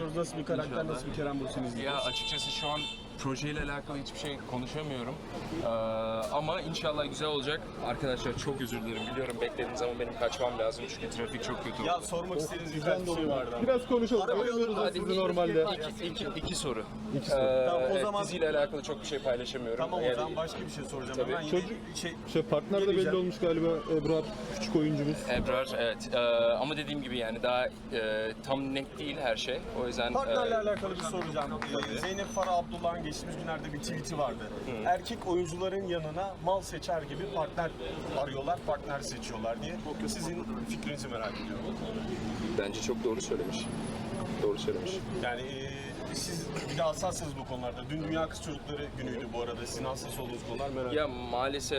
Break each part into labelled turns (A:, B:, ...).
A: bekliyoruz. Nasıl bir karakter, nasıl bir Kerem Bürsin
B: Ya
A: izleyeceğiz?
B: açıkçası şu an projeyle alakalı hiçbir şey konuşamıyorum. Ama inşallah güzel olacak. Arkadaşlar çok özür dilerim. Biliyorum beklediniz ama benim kaçmam lazım çünkü trafik çok kötü oldu.
A: Ya sormak istediğiniz birkaç bir şey vardı.
C: Biraz konuşalım. Bilmiyoruz
B: Hadi
C: sizi normalde.
B: iki soru.
A: Tamam, o
B: Evet,
A: zaman-
B: diziyle alakalı çok bir şey paylaşamıyorum.
A: Tamam, o
B: Yani-
A: zaman başka bir şey soracağım.
B: Tabii.
A: Ben yine
C: Partner de belli
A: geleceğim.
C: olmuş galiba, Ebrar küçük oyuncumuz.
B: Ebrar, evet. Ama dediğim gibi yani daha tam net değil her şey. O yüzden...
A: Partnerle alakalı bir soracağım. Zeynep Farah Abdullah'ın geçtiğimiz günlerde bir tweet'i vardı. Erkek oyuncuların yanına mal seçer gibi partner arıyorlar, partner seçiyorlar diye. Sizin fikrinizi merak ediyorum.
B: Bence çok doğru söylemiş. Doğru söylemiş.
A: Yani siz bir de hassassınız bu konularda. Dün Dünya Kız Çocukları günüydü bu arada. Sizin hassas olduğunuz konular merak ediyorum.
B: Ya maalesef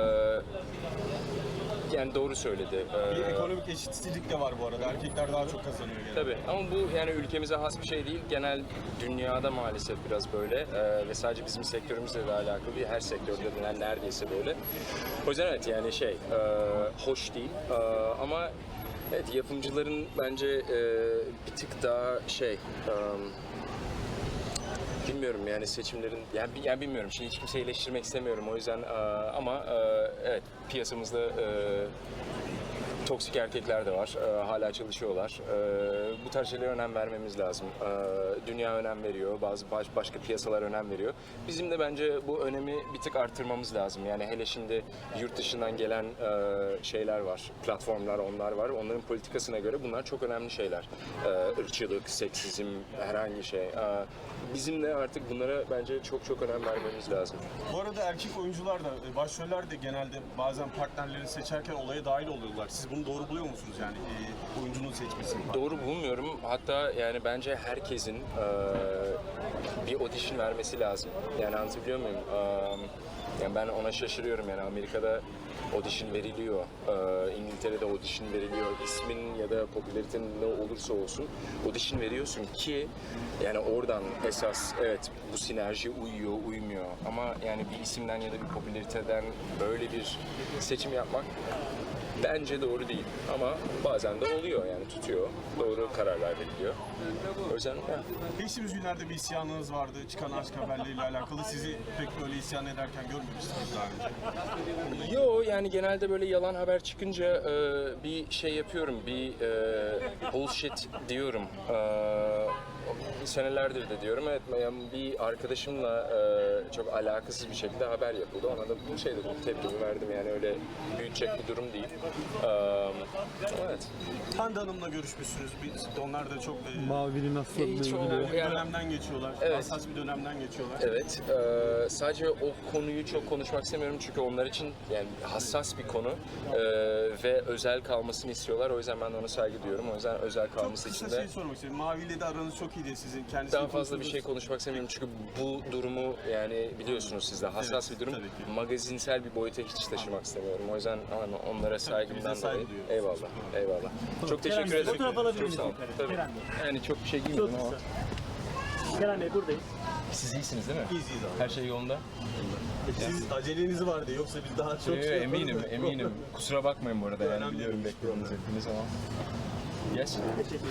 B: yani doğru söyledi.
A: Bir ekonomik eşitsizlik de var bu arada. Erkekler daha çok kazanıyor genelde.
B: Tabii ama bu yani ülkemize has bir şey değil. Genel dünyada maalesef biraz böyle ve sadece bizim sektörümüzle de alakalı değil. Her sektörde de neredeyse böyle. O yüzden evet yani hoş değil ama evet yapımcıların bence bir tık daha bilmiyorum yani seçimlerin yani bilmiyorum şimdi hiç kimseyi eleştirmek istemiyorum o yüzden ama evet piyasamızda toksik erkekler de var. Hala çalışıyorlar. Bu tarz şeylere önem vermemiz lazım. Dünya önem veriyor. Başka piyasalar önem veriyor. Bizim de bence bu önemi bir tık arttırmamız lazım. Yani hele şimdi yurt dışından gelen şeyler var. Platformlar onlar var. Onların politikasına göre bunlar çok önemli şeyler. Irkçılık, seksizm, herhangi şey. Bizim de artık bunlara bence çok önem vermemiz lazım.
A: Bu arada erkek oyuncular da, başroller de genelde bazen partnerlerini seçerken olaya dahil oluyorlar. Siz bunu doğru buluyor musunuz yani oyuncunun seçmesini?
B: Doğru bulmuyorum. Hatta yani bence herkesin bir audition vermesi lazım. Yani anlatabiliyor muyum? Yani ben ona şaşırıyorum yani Amerika'da audition veriliyor, İngiltere'de audition veriliyor. İsmin ya da popülaritenin ne olursa olsun audition veriyorsun ki yani oradan esas evet bu sinerji uyuyor, uymuyor. Ama yani bir isimden ya da bir popülariteden böyle bir seçim yapmak bence doğru değil ama bazen de oluyor yani tutuyor. Doğru kararlar veriliyor. O yüzden
A: Geçtiğimiz günlerde bir isyanınız vardı. Çıkan aşk haberleriyle alakalı. Sizi pek böyle isyan ederken görmemiştiniz daha önce.
B: Yo yani genelde böyle yalan haber çıkınca bir şey yapıyorum, bir bullshit diyorum. Senelerdir de diyorum. Evet, yani bir arkadaşımla çok alakasız bir şekilde haber yapıldı. Ona da bu şeyde tepkimi verdim yani öyle büyütecek bir durum değil. Evet.
A: Hande Hanım'la görüşmüşsünüz. Onlar da çok
C: Mavinin hastalığıyla
B: Hiç o-
C: ilgili.
A: bir
B: Yani-
A: dönemden geçiyorlar.
B: Evet.
A: Hassas bir dönemden geçiyorlar.
B: Evet, sadece o konuyu çok konuşmak istemiyorum çünkü onlar için yani hassas bir konu ve özel kalmasını istiyorlar. O yüzden ben de ona saygı duyuyorum. O yüzden özel
A: Çok
B: kalması
A: kısa
B: için de
A: şey sormak istiyorum. Mavi ile de aranız çok iyiydi sizin. Kendisi
B: daha fazla bir şey konuşmak istemiyorum çünkü bu durumu yani biliyorsunuz siz de hassas
A: Evet,
B: bir durum.
A: tabii ki.
B: Magazinsel bir boyuta hiç taşımak istemiyorum. O yüzden onlara saygımdan
A: saygı
B: dolayı.
A: duyuyoruz.
B: Eyvallah, eyvallah. Çok teşekkür
D: Bey,
B: ederim.
D: fotoğraf alabilir
B: Çok
D: miyiz
B: sağ olun.
D: yukarı?
B: Tabii.
D: Kerem Bey.
B: Yani çok bir şey
D: Çok
B: giymedim ama.
D: kısa. Kerem Bey buradayız.
B: Siz iyisiniz değil mi?
A: İyiyiz abi.
B: Her şey yolunda.
A: Siz aceleniz vardı yoksa biz daha çok şey yaparız
B: eminim,
A: da.
B: eminim. Kusura bakmayın bu arada yani
A: Önemli
B: biliyorum
A: değil.
B: bekliyorsunuz hepiniz ama. Yes.